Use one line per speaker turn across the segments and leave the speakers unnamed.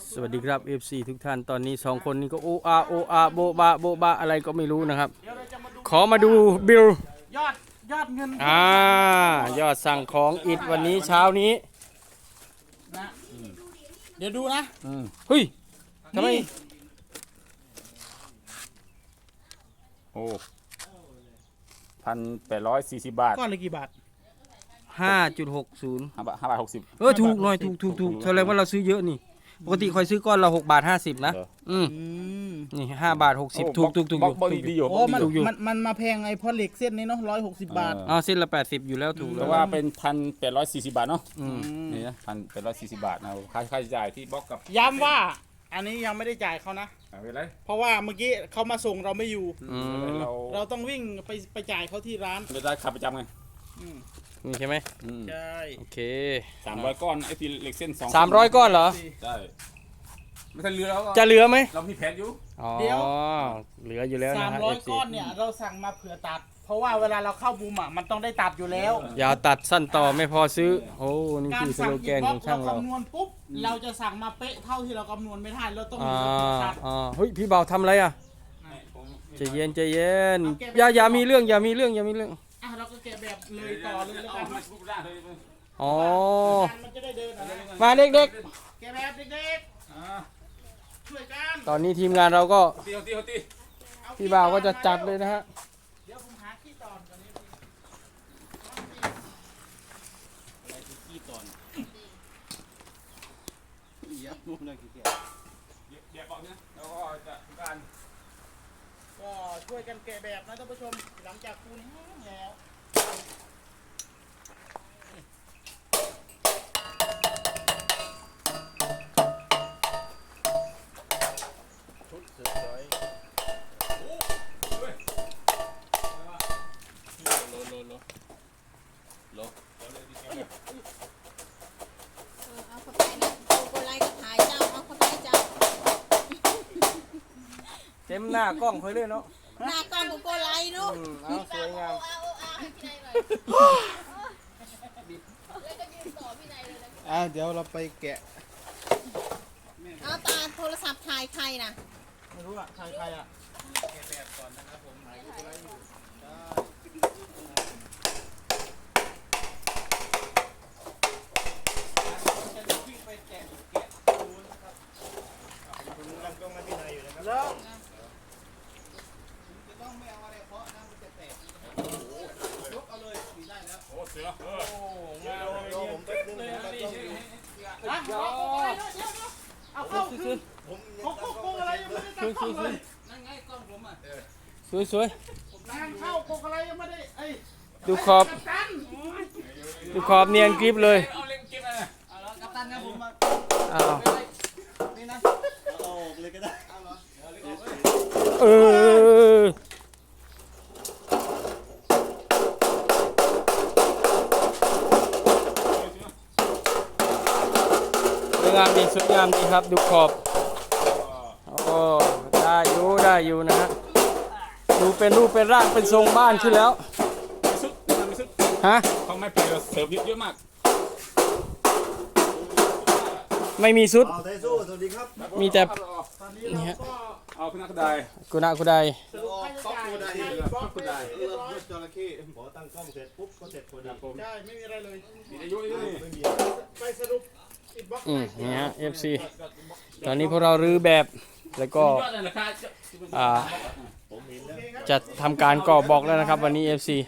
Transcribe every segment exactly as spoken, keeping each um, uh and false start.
สวัสดีครับ เอฟ ซี ทุกท่านตอนนี้สองคนนี้ก็โออาโออาโบบาโบบาอะไรก็ไม่รู้นะครับ ขอมาดูบิล
ยอดยอดเงิน
อ่ายอดสั่งของอิดวันนี้เช้านี้
นะเดี๋ยวดูนะ
เฮ้ยทำไม
นี่
โอ้พันแปดร้อยสี่สิบบาท
ก้อนละกี่บาท
ห้าจุดหกศูนย์
ห้าบาทห้าบาทหกสิบ
เออถูกหน่อยถูกถูกถูกแสดงว่าเราซื้อเยอะนี่ปกติคอยซื้อก้อนละหกบาทห้าสิบนะ
เหรอ
อืม
อืม
นี่ห้าบาทหกสิบถูกถูกถูก
บ
อ
ล็อก
ยู่
บล็อก
ถูก
ดีอยู่
โอ้
บล็อก
มัน
ดีอยู่
มันมันมาแพงไอ้เพราะเหล็กเส้นนี้เนาะร้อยหกสิบบาท
อ๋อเส้นละแปดสิบอยู่แล้วถูก
แต่
แล้ว
ว่าเป็นพันแปดร้อยสี่สิบบาทเนาะ
อืม
นี่นะพันแปดร้อยสี่สิบบาทนะค่าค่าใช้จ่ายที่บล็อกกับ
ย้ำว่า อันนี้ยังไม่ได้จ่ายเขานะ
ไม่เป็นไร
เพราะว่าเมื่อกี้เขามาส่งเราไม่อยู่
อืม
เรา
เราต้องวิ่งไปไปจ่ายเขาที่ร้าน
ไม่ได้ขับประจำไง
อืม
นี่ใช่ไหม
อืม
ใช่
โอเค
สามร้อยก้อนไอ้ที่เหล็กเส้นสอง
สามร้อยก้อนเหรอ
ใช่ไม่ทันเรือแล้วก็
จะเหลือไหม
เรามีแผนอยู่
อ๋อเหลืออยู่แล้ว
สา
นะ
ม
ฮะ
ร้อย
เอฟซี
ก้อนเนี่ยเราสั่งมาเผื่อตัด เพราะว่าเวลาเราเข้าบูมอ่ะมันต้องได้ตัดอยู่แล้ว
อย่าตัดสั้นต่อไม่พอซื้อ โอ้ นี่
การ
คือส
สั่ง
โล
อี
แกน
บล็
ข
อ
อก ง
เรา
ช่างเรา
คำนวณปุ๊บเราจะสั่งมาเป๊ะเท่าที่เราคำนวณไม่ได้เราต้อง
อ่า
มีคนตัด
อ่าเฮ้ย พี่เบาทำอะไรอ่ะ
ผม
ใจเย็นใจเย็น อย่าอย่ามีเรื่องอย่ามีเรื่องอย่ามีเรื่อง
อ่ะเราก็แกะแบบเลยต่อเลยแล้วกัน
มาทุบได้เลย
อ๋อ
มันจะได้เดินอะไร
มาเด็ก
แกะแบบเด็ก
อ่า
ๆช่วยกัน
ๆ ตอนนี้ทีมงานเราก็
ตีเอาตีเอาตี
อ
พี่เบาก็จะจัดเลยนะฮะ
เดี๋ยวผมหาขี้ตอนก่อนนี้ขี้ตอนเดี๋ยวมุมเลยขี้เกียจ
เดี๋ยวบอกนะแล้วก็จะทำการ
ก็ช่วยกันแกะแบบนะท่านผู้ชมหลังจากปูนแห้งแล้ว
เอาเข้าไปนะโกไลก็ถ่ายเจ้า เอาเข้าไปเจ้า
เต็มหน้ากล้องเคยเลยเนาะ
หน้ากล้องโกไลนู้
อืมเอาสวยงาม
อ่าเดี๋ยวเราไปแกะ
เอาตาโทรศัพท์ถ่ายใครนะ
ไม่รู้อ่ะใครใครอ่ะแล้วจะต้องไม่เอาอะไรเพราะนะมันจะแตกยกเอาเลยสีได้แล้ว
โอ้เสือเออ
โอ้งานเลยผมเต็มเลยนะเอาเอาเข้าคือเขาโกงอะไรยังไม่ได้ตั้งกล้องเลยนั่นไงกล้องผมอ่ะ
สวยสวย
งานเข้าโกงอะไรยังไม่ได้ไอ้
ๆดูขอบ
กัปตัน
ดูขอบเนียนกริบเลย
เอาเล่นเก็บอะไร
เอาละกัปตันครับผมมา
อ้าว
นี่นะเอาออกเลยก็ได้เอาเหรอ
เออสวยงามดีสวยงามดีครับดูขอบโอ้ได้อยู่ได้อยู่นะฮะดูเป็นรูปเป็นร่างเป็นทรงบ้านขึ้นแล้ว
มีซุปมีซุป
ฮะ
เขาไม่เปลี่ยนเสิร์ฟเยอะมาก
ไม่มีซุด
เอาไทสู้สวัสดีครับ
มีแต่
ตอนนี้เราก็
เอาขึ้นนักได้
กุณากุได
สรุปค่าใช้จ่าย
ได้
บล็อกไปเรียบร้อย
จระเข้พอตั้งกล้องเสร็จปุ๊บก็เสร็จพอดี
ผม
ใช่ไม่มีอะไรเลย
มีอายุนี่
ไม่มี
ไปสรุปอิดบล็อก
อืมนี่ฮะ เอฟ ซี ตอนนี้พวกเรารื้อแบบแล้วก็
ยอดเลยราคา
อ่าจะทำการก่อบอกแล้วนะครับวันนี้ เอฟ ซี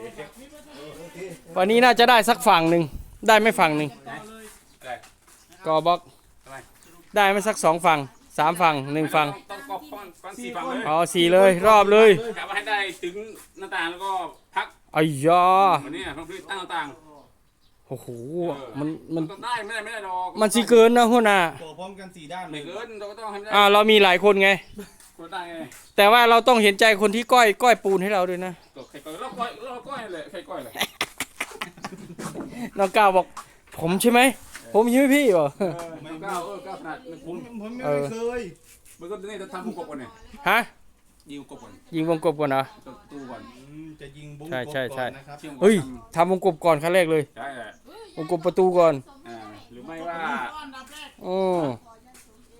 วันนี้น่าจะได้สักฝั่งหนึ่งได้ไหม่ฝั่งหนึ่งก่อบล็อกได้ไหมสักสองฝั่งสามฝั่งหนึ่งฝั่ง
ต้องกอบฟังฟังสี่ฝั่งเลย
อ๋อสี่เลยรอบเลย
กะว่าให้ได้ถึงหน้าต่างแล้วก็พัก
อ้ยยา
วันนี้ต้องตั้งหน้าต่าง
โอ้โหมันมัน
ต้องได้ไม่ได้ไม่ได้ดอก
มันสิเกินนะหัวหน้า
ต่อพร้อมกันสี่ด้านเล
ไม่
ย
เกินเราก็ต้องให้ได้
อ่าเรามีหลายคนไง
คนได้ไง
แต่ว่าเราต้องเห็นใจคนที่ก้อยก้อยปูนให้เราด้วยนะ
ก็ใครก้อยเราก้อยเราก้อยเลยใครก้อยเลย
น้องก้าวบอกผมใช่ไหมผมใช่ไหมพี่บอ
ไม่ก้าวเออก้าวขนาดผม
ผมยังไม่เคย
มันก็นี่จะทำผู้กบก่อนเนี่ย
ฮะ
ยิงกบก่อน
ยิงวงกบก่อนนะ
ตู้ก่อน
จะยิงบุ้ง
ใช่ใช่ใช่
ก่อนนะครับ
เฮ้ยทำวงกบก่อนขั้นแรกเลย
ใช่แหละ
วงกบประตูก่อน
อ่าหรือไม่ว่า
ก้อนดับแรก
อือ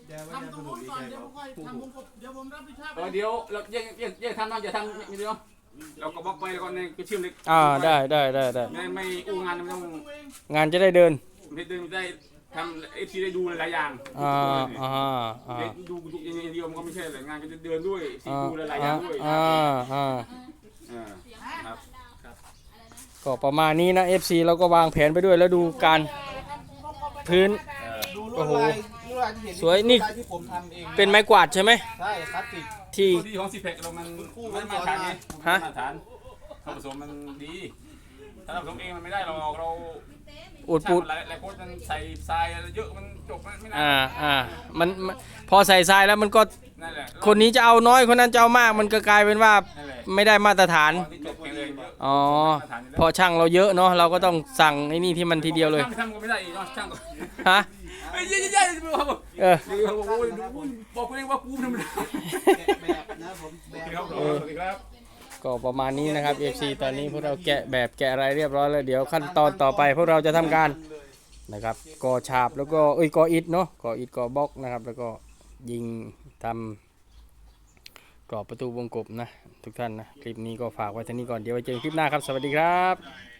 อนเดี๋ยวผมค่อยทำวงกบเดี๋ยวผมรับผิดชอบ
เออเดี๋ยวเราแยกแยกแยกทำนะอย่าทำอย่างเดียวเราก็บล็อกไปแล้วก็ในก็เชื่อมเล็ก
อ่าได้ได้ได้ได้
ไม่ไม่อู้งานไม่ต้อง
งานจะได้เดิน
ไม่ได้ได้ทำเอฟซีได้ดูหลายอย่าง
อ่าอ่าอ่า
ได้ดูดูอย่างเดียวมันก็ไม่ใช่เลยงานก็จะเดินด้วยซี
อ่า
ดูหลายๆอย่างด้วย
อ่าอ่า
อ่าครับ
ก็ประมาณนี้นะ เอฟ ซี เราก็วางแผนไปด้วยแล้วดูการพื้น
ดูล
โอ้
วด
โห
ลายลวดลายที่เห็น
สวยนี่
ลายที่ผมทำเอง
เป็นไม้กวาดใช่ไหม
ใช่คลาสสิก
ที่
ตัวดีของซีแพคเรามันไม่มาตรฐานไง
ฮะ
มาตรฐานเราผสมมันดีถ้าเราผสมเองมันไม่ได้เราเรา
อุดปูด
หลายหลายคนมันใส่ทรายอะไรเยอะมันจบไม่นาน
อ่าอ่ามันมันพอใส่ทรายแล้วมันก็
นั่นแหละ
คนนี้จะเอาน้อยคนนั้นจะเอามากมันก็กลายเป็นว่า
นั่นแหละ
ไม่ได้มาตรฐาน
ตอนที่จบไปเลยเยอะ
อ๋อเพอช่างเราเยอะเนาะเราก็ต้องสั่งไอ้นี่ที่มันทีเดียวเลย
ช่างทำก็ไม่ได้อีกเนาะช่างก็
ฮะ
เฮ้ยเย้ๆๆบอก
เออ
บอกโอ้ยบอกกูเองว่ากูทำไม่ได้
แบบนะผมแบบ
ครับสวัสดีครับ
ก็ประมาณนี้นะครับ เอฟ ซี ตอนนี้พวกเราแกะแบบแกะอะไรเรียบร้อยแล้วเดี๋ยวขั้นตอนต่อไปพวกเราจะทำการนะครับก่อฉาบแล้วก็เอ้ยก่ออิฐเนาะก่ออิฐก่อบล็อกนะครับ แล้วก็ยิงทำกรอบประตูวงกบนะทุกท่านนะคลิปนี้ก็ฝากไว้เท่านี้ก่อนเดี๋ยวไว้เจอกันคลิปหน้าครับสวัสดีครับ